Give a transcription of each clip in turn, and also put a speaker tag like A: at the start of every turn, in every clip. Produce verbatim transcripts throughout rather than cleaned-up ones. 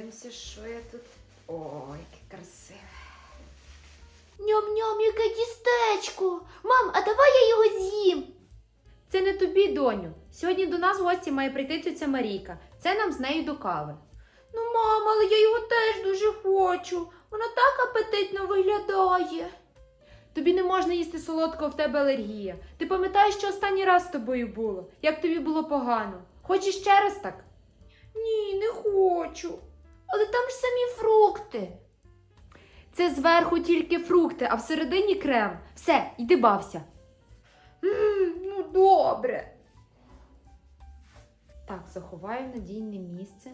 A: Подивимося, що я тут. Ой, яке красиве.
B: Ням-ням, яке тістечко. Мам, а давай я його з'їм.
A: Це не тобі, доню. Сьогодні до нас в гості має прийти тетя Марійка. Це нам з нею до кави.
B: Ну, мама, але я його теж дуже хочу. Воно так апетитно виглядає.
A: Тобі не можна їсти солодкого, в тебе алергія. Ти пам'ятаєш, що останній раз з тобою було? Як тобі було погано? Хочеш ще раз так?
B: Ні, не хочу. Але там ж самі фрукти.
A: Це зверху тільки фрукти, а всередині крем. Все, йди бався.
B: М, ну, добре.
A: Так, заховаю в надійне місце.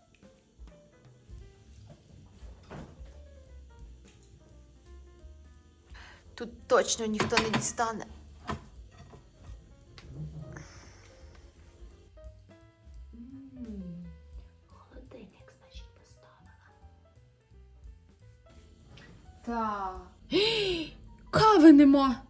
B: Тут точно ніхто не дістане.
A: М,
B: Холодильник, значить, поставила.
A: Так.
B: Кави нема.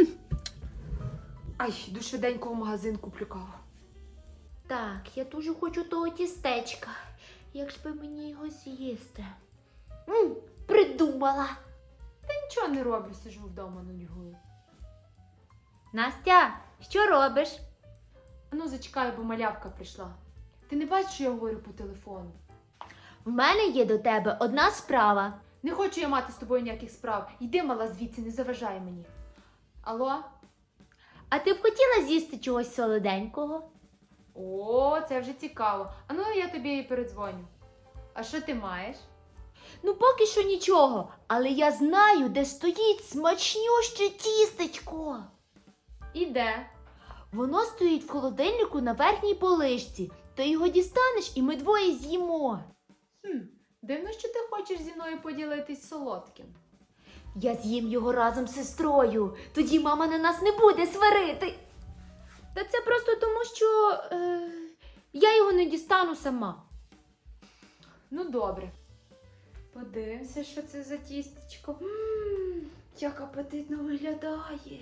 A: Ай, йду швиденько в магазин куплю каву.
B: Так, я дуже хочу того тістечка. Як ж би мені його з'їсти? М, придумала.
A: Та нічого не роблю, сижу вдома нудьгую.
B: Настя, що робиш?
A: А ну зачекай, бо малявка прийшла. Ти не бачиш, що я говорю по телефону?
B: В мене є до тебе одна справа.
A: Не хочу я мати з тобою ніяких справ. Йди, мала, звідси, не заважай мені. Алло?
B: А ти б хотіла з'їсти чогось солоденького?
A: О, це вже цікаво. А ну я тобі і передзвоню. А що ти маєш?
B: Ну, поки що нічого, але я знаю, де стоїть смачнюще тістечко.
A: І де?
B: Воно стоїть в холодильнику на верхній поличці. Ти його дістанеш і ми двоє з'їмо.
A: Хм, дивно, що ти хочеш зі мною поділитись солодким.
B: Я з'їм його разом з сестрою. Тоді мама на нас не буде сварити.
A: Та це просто тому, що е, я його не дістану сама. Ну, добре. Подивимося, що це за тістечко.
B: Ммм, як апетитно виглядає.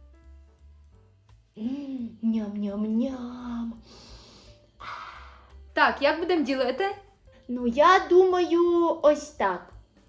B: Ммм, ням-ням-ням.
A: Так, як будемо ділити?
B: Ну, я думаю, ось так.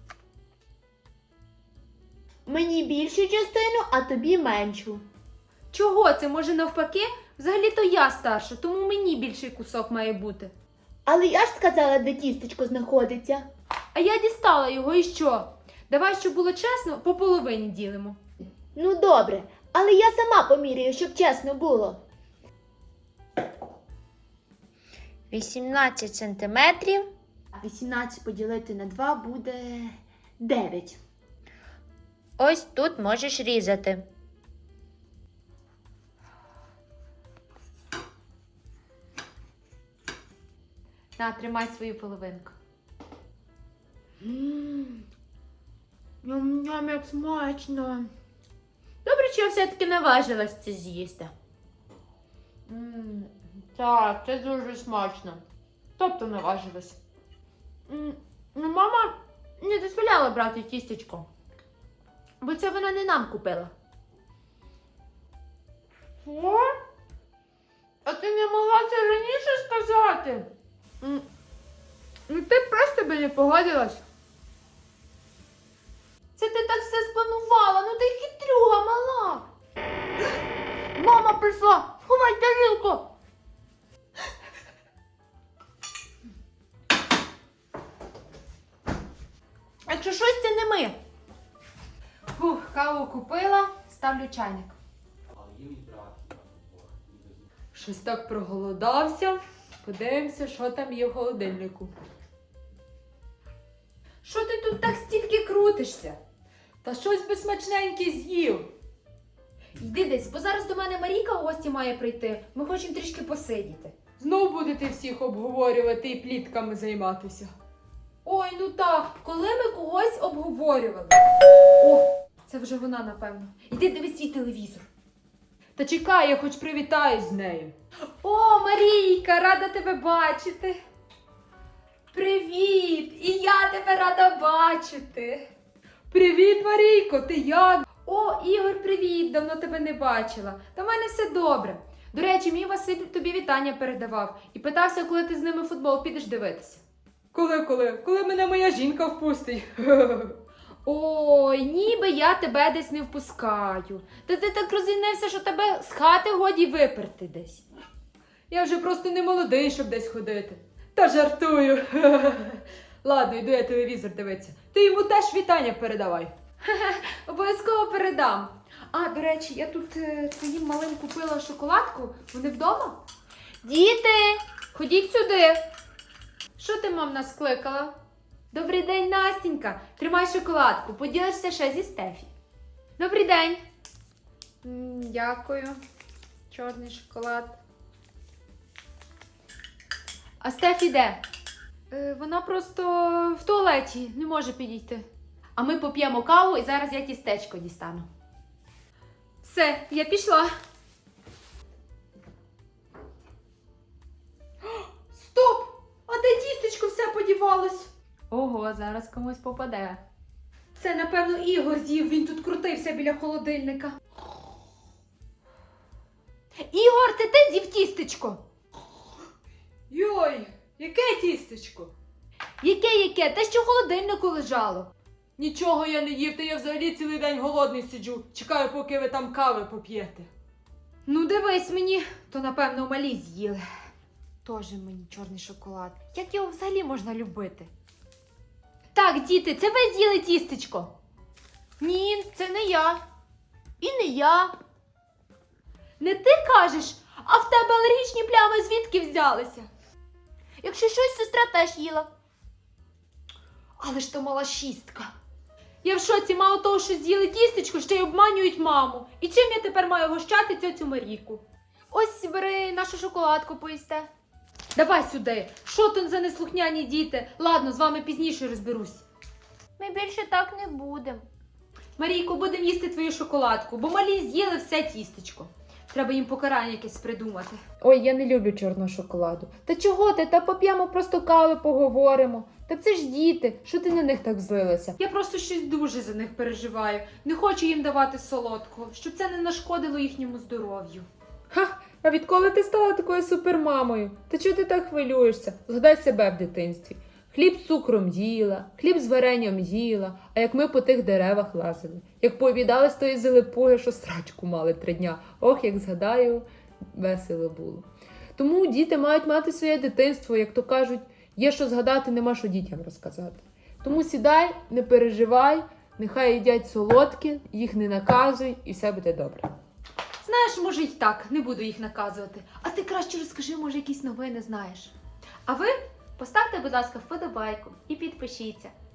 B: Мені більшу частину, а тобі меншу.
A: Чого це? Може навпаки? Взагалі-то я старша, тому мені більший кусок має бути.
B: Але я ж сказала, де тістечко знаходиться.
A: А я дістала його і що? Давай, щоб було чесно, по половині ділимо.
B: Ну, добре, але я сама поміряю, щоб чесно було. вісімнадцять сантиметрів. вісімнадцять поділити на два буде дев'ять. Ось тут можеш різати.
A: На, тримай свою половинку.
B: Ммм, ням-ням, як смачно. Добре, що я все-таки наважилась це з'їсти.
A: Ммм, так, це дуже смачно. Тобто наважилась.
B: М, Ну, мама не дозволяла брати тістечко, бо це вона не нам купила.
A: Що? А ти не могла це раніше сказати?
B: М,
A: Ну ти просто би не погодилась.
B: Це ти так все спланувала, ну ти хитрюга мала. Мама прийшла, сховай тарілку. Якщо щось, це не ми.
A: Фух, каву купила, ставлю чайник. Щось так проголодався. Подивимося, що там є в холодильнику. Що ти тут так стільки крутишся? Та щось би смачненьке з'їв. Йди десь, бо зараз до мене Марійка в гості має прийти. Ми хочемо трішки посидіти. Знов будете всіх обговорювати і плітками займатися. Ой, ну так, коли ми когось обговорювали. О, це вже вона, напевно. Іди дивись свій телевізор. Та чекай, я хоч привітаюсь з нею. О, Марійка, рада тебе бачити. Привіт! І я тебе рада бачити. Привіт, Марійко, ти як? О, Ігор, привіт, давно тебе не бачила. Та в мене все добре. До речі, мій Василь тобі вітання передавав і питався, коли ти з ними в футбол підеш дивитися. Коли, коли? Коли мене моя жінка впустить? Ой, ніби я тебе десь не впускаю. Та ти так розінився, що тебе з хати годі виперти десь. Я вже просто не молодий, щоб десь ходити. Та жартую. Ладно, йду я телевізор дивитися. Ти йому теж вітання передавай. Обов'язково передам. А, до речі, я тут е, твоїм малим купила шоколадку. Вони вдома? Діти, ходіть сюди. Що ти, мам, нас кликала? Добрий день, Настінька. Тримай шоколадку, поділишся ще зі Стефі. Добрий день. М, Дякую. Чорний шоколад. А Стефі де? Е, вона просто в туалеті, не може підійти. А ми поп'ємо каву і зараз я тістечко дістану. Все, я пішла. Стоп! А де тістечко все подівалось? Ого, зараз комусь попаде. Це, напевно, Ігор з'їв, він тут крутився біля холодильника. Ігор, це ти з'їв тістечко? Йой, яке тістечко? Яке-яке? Те, що в холодильнику лежало. Нічого я не їв, та я взагалі цілий день голодний сиджу. Чекаю, поки ви там кави поп'єте. Ну, дивись мені, то, напевно, малі з'їли. Тоже мені чорний шоколад. Як його взагалі можна любити? Так, діти, це ви з'їли тістечко? Ні, це не я. І не я. Не ти кажеш, а в тебе алергічні плями звідки взялися? Якщо щось, сестра теж їла. Але ж то мала шістка. Я в шоці, мало того, що з'їли тістечко, ще й обманюють маму. І чим я тепер маю гощати цьоцю Марійку? Ось, бери нашу шоколадку поїсте. Давай сюди. Що тут за неслухняні діти? Ладно, з вами пізніше розберусь.
B: Ми більше так не будемо.
A: Марійко, будемо їсти твою шоколадку, бо малі з'їли все тістечко. Треба їм покарання якесь придумати. Ой, я не люблю чорного шоколаду. Та чого ти? Та поп'ємо просто кави, поговоримо. Та це ж діти, що ти на них так злилася? Я просто щось дуже за них переживаю. Не хочу їм давати солодкого, щоб це не нашкодило їхньому здоров'ю. Ха, а відколи ти стала такою супермамою? Та чого ти так хвилюєшся? Згадай себе в дитинстві. Хліб з цукром їла, хліб з варенням їла, а як ми по тих деревах лазили. Як пообідали з тої зелепуги, що срачку мали три дня. Ох, як згадаю, весело було. Тому діти мають мати своє дитинство, як то кажуть, є що згадати, нема що дітям розказати. Тому сідай, не переживай, нехай їдять солодкі, їх не наказуй і все буде добре. Знаєш, може й так, не буду їх наказувати. А ти краще розкажи, може якісь новини знаєш. А ви поставте, будь ласка, вподобайку і підпишіться.